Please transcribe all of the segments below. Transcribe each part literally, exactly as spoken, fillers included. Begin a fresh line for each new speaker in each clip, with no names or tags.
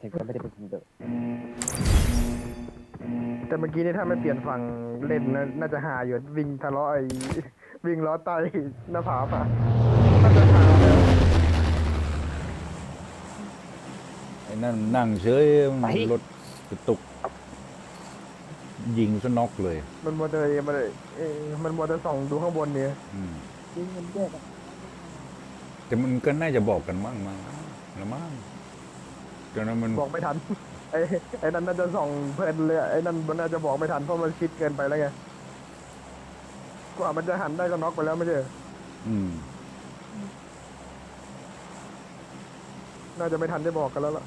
งก็ไม่ได้เป็นคนเดิม
แต่เมื่อกี้นี่ถ้าไม่เปลี่ยนฝั่งเล่นน่าน่าจะหาอยู่วิ่งทะเลาะไอ้วิ่งล้อไตหน้าผาป่ะน่าจะหาแล้ว
ไอ้นั่นนั่งเฉยรถกระตุกยิงซะน็อกเลย
มันมัวแต่มันเออมันมัวแต่ส่องดูข้างบนเนี่ย
อืม
ยิงมันแยกกัน
แต่มันก็น่าจะบอกกันมั่งมั้งละมั่งตอนนั้นมัน
บอกไม่ทันไอ้ไอ้นั่นน่าจะส่องเพลินเลยไอ้นั่นมันน่าจะบอกไม่ทันเพราะมันชิดเกินไปแล้วไงกว่ามันจะหันได้ก็น็อกไปแล้วไม่ใช่เหรอ
อืม
น่าจะไม่ทันได้บอกกันแล้วล่ะ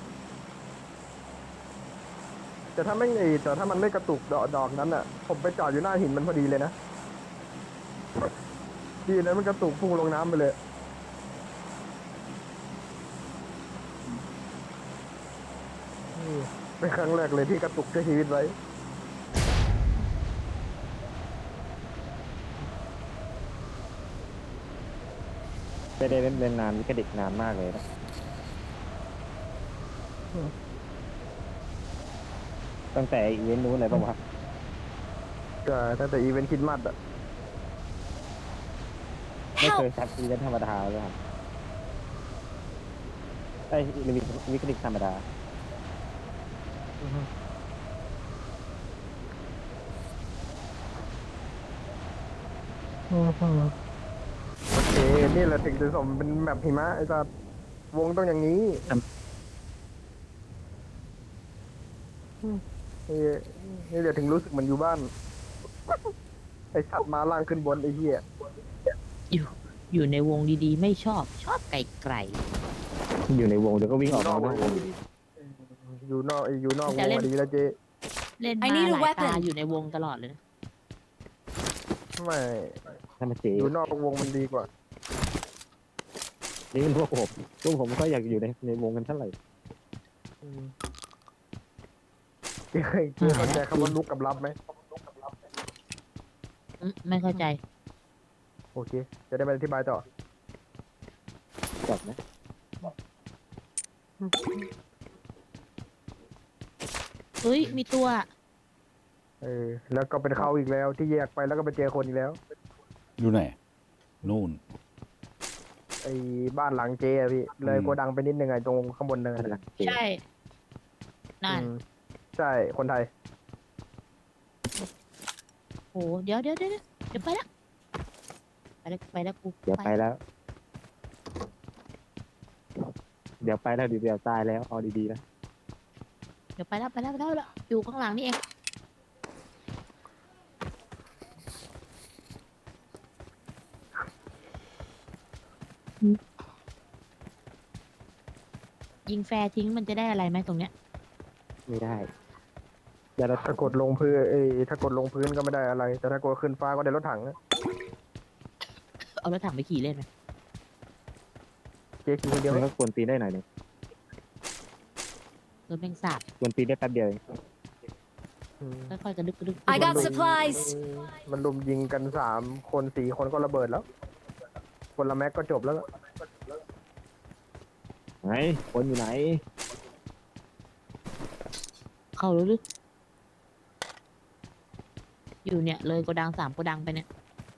แต่ถ้าไม่ไอ้แต่ถ้ามันไม่กระตุกดอกดอกนั้นอ่ะผมไปจอดอยู่หน้าหินมันพอดีเลยนะดีนะมันกระตุกพุ่งลงน้ำไปเลยนี่เป็นครั้งแรกเลยที่กระตุกใช้ชีวิตไว้
ไม่ได้เล่นเล่นนานนี่ก็เด็กนานมากเลยนะตั้งแต่อีเวนต์นู้นเลยป่าวะ
ก็ตั้งแต่อีเวนต์คริสต์มาสอ่ะ
ไม่เคยซัดอีเวนต์ธรรมดาเลยครับไอ้วิวิคลิกธรรมดา
โอเคนี่แหละถึงจะสมเป็นแบบหิมะไอ้สัสวงต้องอย่างนี้นี่นี่เดี๋ยวถึงรู้สึกเหมันอยู่บ้านไอ้สัตว์มาล่างขึ้นบนไอ้เหี้ย
อยู่อยู่ในวงดีๆ ไม่ชอบชอบไก่ไก่
อยู่ในวงเดี๋ยวก็วิ่งออกมานอกวง
อยู่นอกอยู่นอกวงมาดีแล้วเจ๊
เล่นมาหลายตาอยู่ในวงตลอดเลยนะ
ไม่
ถ้ามาเจ
อยู่นอกวงมันดีกว่า
นี่เป็นพวกผมพวกผมก็อยากอยู่ในในวงกันเท่าไหร่
อืมเจ๊เคยเจ๊เข้าใจคำว่าลุกกับรับไหม
อืมไม่เข้าใจ
โอเค จะได้ไปอธิบายต่อ
จบนะ
เฮ้ย มีตัว
เออ แล้วก็เป็นเขาอีกแล้ว ที่แยกไปแล้วก็ไปเจอคนอีกแล้ว
อยู่ไหนนู่น
ไอ้บ้านหลังเจ๊อะพี่ เลย
อืม
โกดังไปนิดนึงไอ้ตรงข้างบนเนิน
นั่นแหละเจ
ใช่นั่น
อืมใช่คนไทย
โหเดี๋ยวเดี๋ยวเดี๋ยวเดี๋ยวไปละไปแล้วไปแล้วกู
เดี๋ยวไปแล้ว เดี๋ยวไปแล้วเดี๋ยวตายแล้วเอาดีๆนะ
เดี๋ยวไปแล้วไปแล้วไปแล้วไปแล้วอยู่ข้างหลังนี่เองยิงแฟร์ทิ้งมันจะได้อะไรไหมตรงเนี้ย
ไม่ได้เดี๋ยวเรา
ถ้ากดลงพื้นเอ้ยถ้ากดลงพื้นก็ไม่ได้อะไร แต่ถ้ากดขึ้นฟ้าก็ได้รถถังนะ
เอารถถังไปขี่เล่นไหม
เจ๊ขี่คนเดียว
มัน
ไหม
ก็ควรตีได้หน่อยหนึง
รถแมงสาบ
ควรตีได้แป๊บเดียวเอง
อืม
ค่อยๆกระดึกกระดึก
I got supplies
มันลุมยิงกันสามคนสี่คนก็ระเบิดแล้ว คนละแม็กก็จบแล้ว
ไหนคนอยู่ไหน
เข้าแล้วหรืออยู่เนี่ยเลยโกดังสามโกดังไปเนี่ย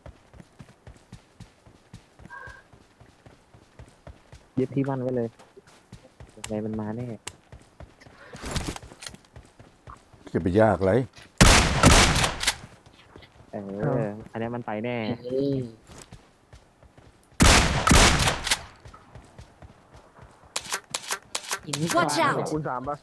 ยึดที่มั่นไว้เลยยังไงมันมาแน่
จะไปยากไร
เอออันนี้มันไปแน่
ยิงไม่
Watch
ก่อน
out
คูณสามปะ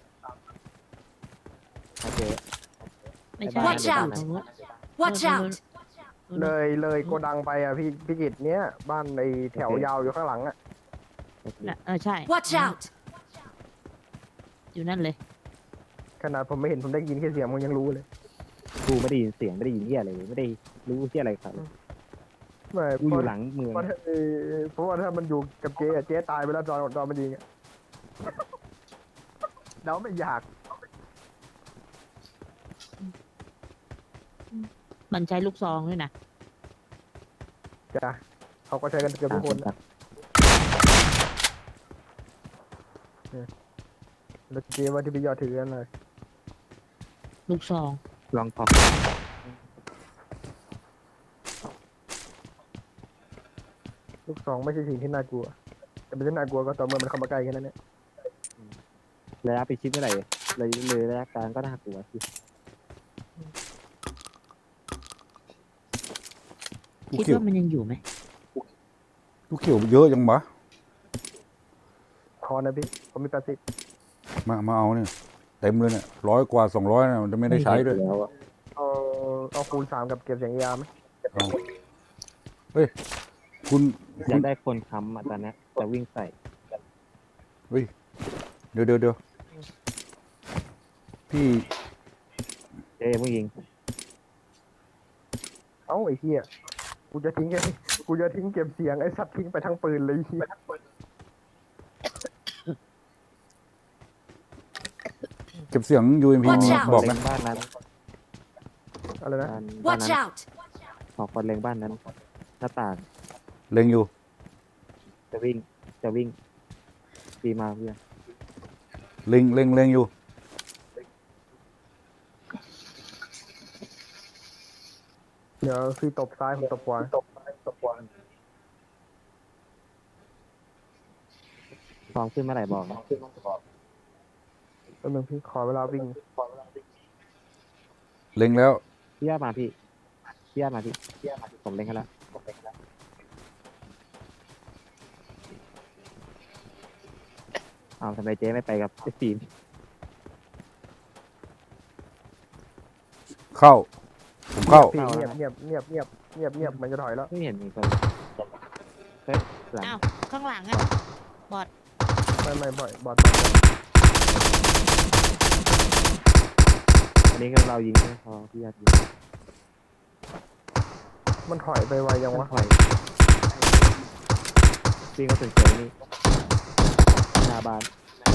ถ้าเจอ
ไม่ใช่
Watch out
ตรงนู้น
Watch out
เลยเลยโกดังไปอ่ะพี่พี่กิตเนี้ยบ้านไอแถวยาวอยู่ข้างหลังอ่ะ
โอเค
น่ะเออใช่
Watch out
อยู่นั่นเลย
ขนาดผมไม่เห็นผมได้ยินแค่เสียงผมยังรู้เลย
กูไม่ได้ยินเสียงไม่ได้ยินเหี้ยอะไรเลยไม่ได้รู้เหี้ยอะไรครับ
ไม่
กูอยู่หลังเมือง
เพราะถ้าเอ่อเพราะว่าถ้ามันอยู่กับเจ๊อะเจ๊ตายไปแล้วตอนตอนมันยิงอ่ะเดาไม่อยาก
มันใช้ลูกซองด้วยนะ
จ้ะเขาก็ใช้กันเกือบทุกคน
ครับ
แล้วเจ๊ว่าที่พี่ยอดถือกันเลย
ลูกซอง
ลองพอ
ลูกสองไม่ใช่สิ่งที่น่ากลัวแต่เป็นที่น่ากลัวก็ต่อเมื่อมันเข้ามาใกล้แค่นั้นเนี่ย
ระยะไปชิดเมื่อไหร่เลยเลยระยะกลางก็น่ากลัวสิ
ลูก
คิด
เขียว
ว่ามันยังอยู่ไหม
ลูกเขียวเยอะจังวะ
พอนะพี่ผมมีแปดสิบ
มามาเอาเนี่ยเต็มเลยเนี่ยร้อยกว่าสองร้อยนะมันจะไม่ได้ใช้ด้วย
แล้วอะ
เอาเอาคูณสามกับเก็บเสียงยาไหม
เอาเฮ้ยคุณ
อ
คุ
ยาก
ณ
ได้คนค้ำอ่ะตอนเนี้ยจะวิ่งใส่
เดี๋ยวเดี๋ยวเดี๋ยวพี่
เจ๊ผู้ยิง
เอ้าไอ้เหี้ยกูจะทิ้งแค่กูจะทิ้งเก็บเสียงไอ้สัตว์ทิ้งไปทั้งปืนเลยไอ้เหี้ย
เก็บเสียง ยู เอ็ม พี
Watch
มี
out
บอก
เล็
นะ
งบ้านนั้น
อะไรนะ
บ้านบ้าน
Watch
นั้น
out!
ขอคนเล็งบ้านนั้น หน้าต่าง
เล็งอยู่
จะวิ่งจะวิ่งดีมากเพื่อน
เล็งเล็งเล็งอยู่
เดี๋ยวพี่ตบซ้ายผมตบขวาตบซ้ายตบขวา
ฟองขึ้นเมื่อไหร่บอกนะ
แป๊บนึงพี่ขอเวลาวิ่ง
เล็งแล้ว
พี่ย่ามาพี่พี่ย่ามาพี่พี่ย่ามาพี่ผมเล็งให้แล้วผมเล็งให้แล้วอ้าวทำไมเจ๊ไม่ไปกับไอ้ฟิล์ม
เข้า ผมเข้า
พี่เงียบเงียบเงียบเงียบเงียบเงียบมันจะถอยแล้ว
ไม่เห็นมีคนเฮ้ยหลัง
อ้าวข้างหลังอ่ะ
ไม่ไม่บ่อยบอด
อันนี้ก็เรายิงไม่พอพี่ย่ายิง
มันถอยไปไวยังวะ
ถอยพี่ก็ถึงเจอนี่หน้าบ้าน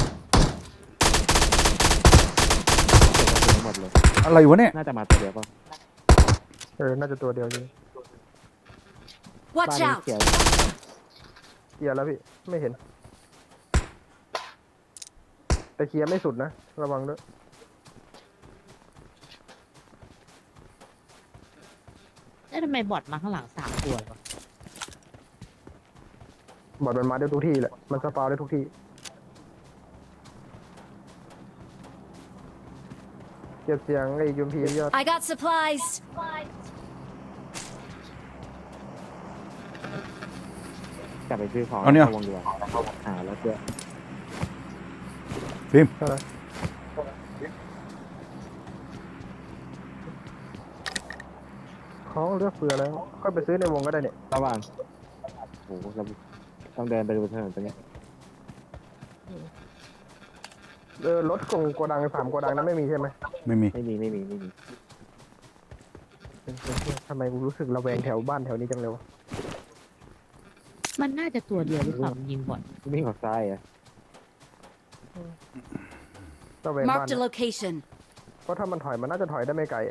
เก็บกระสุนหมดเลย
อะไรวะเนี่ย
น่าจะมาตัวเดียวป่ะ
เออน่าจะตัวเดียวจริง
บ้าน
Watch
นี้
out!
เขียว
เคลียร์แล้วพี่ไม่เห็น แต่เคลียร์ไม่สุดนะระวังด้วย
แล้วทำไมบอดมาข้างหลังสามตัววะ
บอดมันมาได้ทุกที่แหละมันสปาวได้ทุกที่เก็บเสียงไอ้ยูมพียอด
I got supplies!
กลับไปซื้อของ
เอาเนี่ย
วงเดียวหาแล้วเจอ
ฟิล์ม
เท่าไหร่เขาเลือกเฟือแล้วค่อยไปซื้อในวงก็ได้เนี่ย
ระหว่างโอ้โหเราต้องเดินไปดูถนนตรงนี้
เออรถกงโกดังสามโกดังนั้นไม่มีใช่ไหม
ไม่มี
ไม่มีไม่มีไม่มี
ทำไมกูรู้สึกระแวงแถวบ้านแถวนี้จังเลยวะ
มันน่าจะตัวเดียวหรือเปล่ามันยิงบอด
วิ่งออกซ้ายอ่ะ
ระแวงบ้าน
Marked a location.
เพราะถ้ามันถอยมันน่าจะถอยได้ไม่ไกลอะ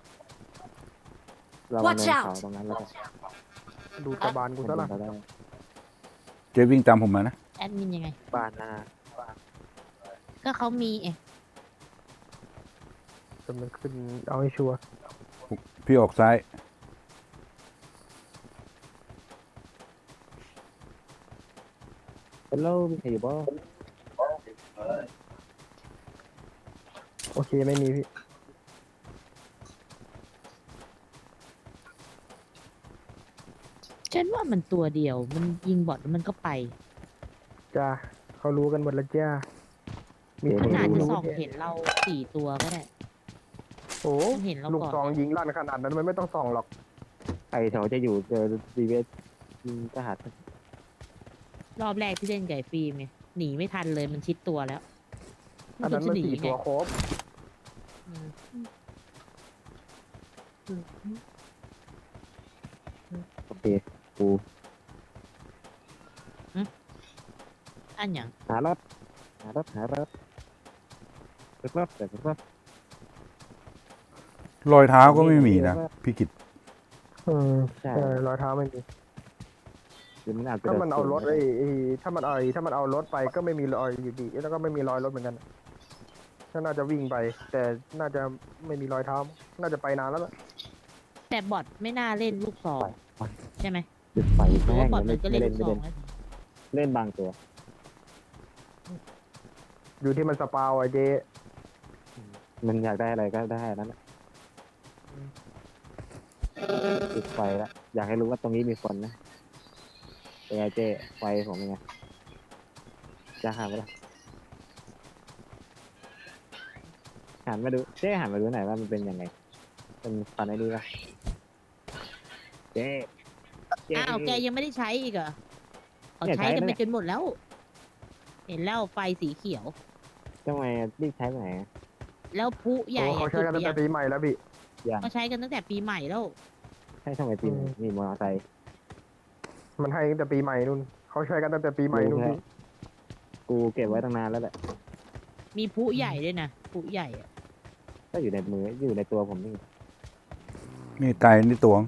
เรามา
Watch
เนิน
out
เขาตรงนั้นแล้วก็
ดูตะบานกูซะละ
เราได้
เจวิ่งตามผมมานะ
แอดมินยังไง
บ้านหน้า
ก็เขามีเอง
จนมันขึ้นเอาให้ชัวร์
พี่ออกซ้าย
เป็นโลมีใครอยู่บ้าง
โอเคไม่มีพี่
ฉันว่ามันตัวเดียวมันยิงบอดแล้วมันก็ไป
จ้าเขารู้กันหมดแล้วจ้ามี
มัน
ที่
อาจจะ
รู้
ส่องเห็นเราสี่ตัวก็ได้
โอ้
มันเห็นเรา
ลูก
ก่อน
ซองยิงลั่นขนาดนั้นมันไม่ต้องส่องหรอก
ไอแถวจะอยู่เจอดีเวสทหาร
รอบแรกที่เล่นไก่ฟิล์มไงหนีไม่ทันเลยมันชิดตัวแล้ว
อันนั้นมัน
จะห
สี่
ไง
ตัวครบ
อืม
โอเคกู
อันอย่าง
หารถหารถหารถรถรถแต่รถ
รอยเท้าก็ไม่มีนะ พี่กิต
อืม
ใช่
ใช่รอยเท้าไม่มี
หรือมันอาจจะ
ถ้ามันเอารถไอ้ไอ้ถ้ามันเอาไอ้ถ้ามันเอารถไปก็ไม่มีรอยอยู่ดีแล้วก็ไม่มีรอยรถเหมือนกันก็น่าจะวิ่งไป แต่น่าจะไม่มีรอยเท้า น่าจะไปนานแล้วล่ะ
แต่บอทไม่น่าเล่นลูกซองใช่ไหม
จุดไฟ
เพราะ
แม่
ว่าง บอท
ไม่
มันก็
ไม่
เล่น
เล่น
ลูก
ไม่
ซอ
เล่
ง
น
แล้ว
เล่นบางตัว
อยู่ที่มันสปาวไอ้เจ
มันอยากได้อะไรก็ได้นั่นแหละจุดไฟละอยากให้รู้ว่าตรงนี้มีคนนะเป็นไงเจ้ไฟผมเป็นไงจะหันไปละหันมาดูเจ้หันมาดูหน่อยว่ามันเป็นยังไงเป็นฟันไอ้นี่ปะเจ้เจ้
อ้าวแกยังไม่ได้ใช้อีกเหรอเขา
เนี่ย
ใช้กัน
ใช้
ไป
แล้ว
จนหมดแล้ว เห็นแล้วไฟสีเขียว
ทำไมรีบใช้ไปไหนอะ
แล้วพลุใหญ่
โอ้เขา
อะ
ใช้กันตั้งแต่ปีใหม่แล้วพี่
ก็ใช้กันตั้งแต่ปีใหม่แล้ว
ให้ทำไมปีน
อืม
มีมอเตอร์ไซค์
มันให้ตั้งแต่ปีใหม่นู่นเขาใช้กันตั้งแต่ปีใหม่นู่นพี่
กูเก็บไว้ตั้งนานแล้วแหละ
มีพลุใหญ่ด้วยนะพลุใหญ่อะ
ก็อยู่ในมืออยู่ในตัวผมนี่
นี่ไก่นี่ตวง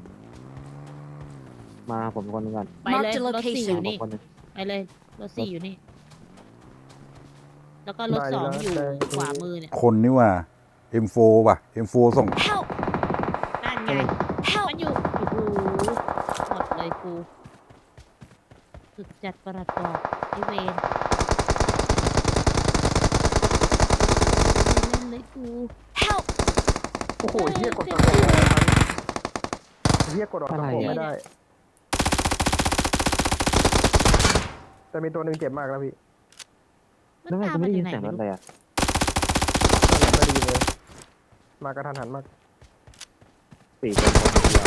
มาผมคนหนึงก่อน
ไปเลย
Mark the
รถสี่อ
location
ยู่
ผม
นี่
คนหนึง
ไปเลยรถสี่อยู่นี่ แล้วก็รถสองอยู่ขวามือเนี่ย
คนนี่ว่า เอ็ม โฟร์ ว่ะ เอ็ม โฟร์ ส่ง
Help!
นั่นไง
Help!
มันอยู่โอ้โหหมดเลยกูสุดจัดประหลัดบอกไอเวนเล่นเลยกู
Help!
โอ้โหเฮียกดตะโกนเฮียกดออกตะโกนไม่ได้ แต่มีตัวหนึ่งเจ็บมากแล้วพี่
มัน
แล้วทำไม
ตาม
กู
มา
ไม่ได้
จา
ยิ
ก
น
ไหน
เสียงร
ไม่รู้
ถเลยอ่ะ
ไม่ได้ยินเลย มากระทันหันมาก
สี่คนคนเดียว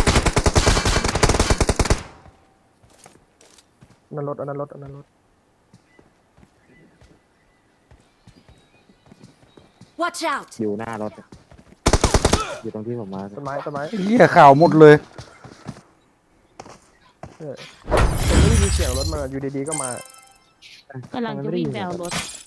นั่นรถอันนั้นรถอันนั้นรถ
Watch out!
อยู่หน้ารถอะอยู่ตรงที่ผมมา
ต้นไม้ต้นไม้
เหี้ยข่าวหมดเลย
เออผมไม่ได้ยินเสียงรถมาอยู่ดีๆก็มา
กำลังจะวิ่งไปเอารถ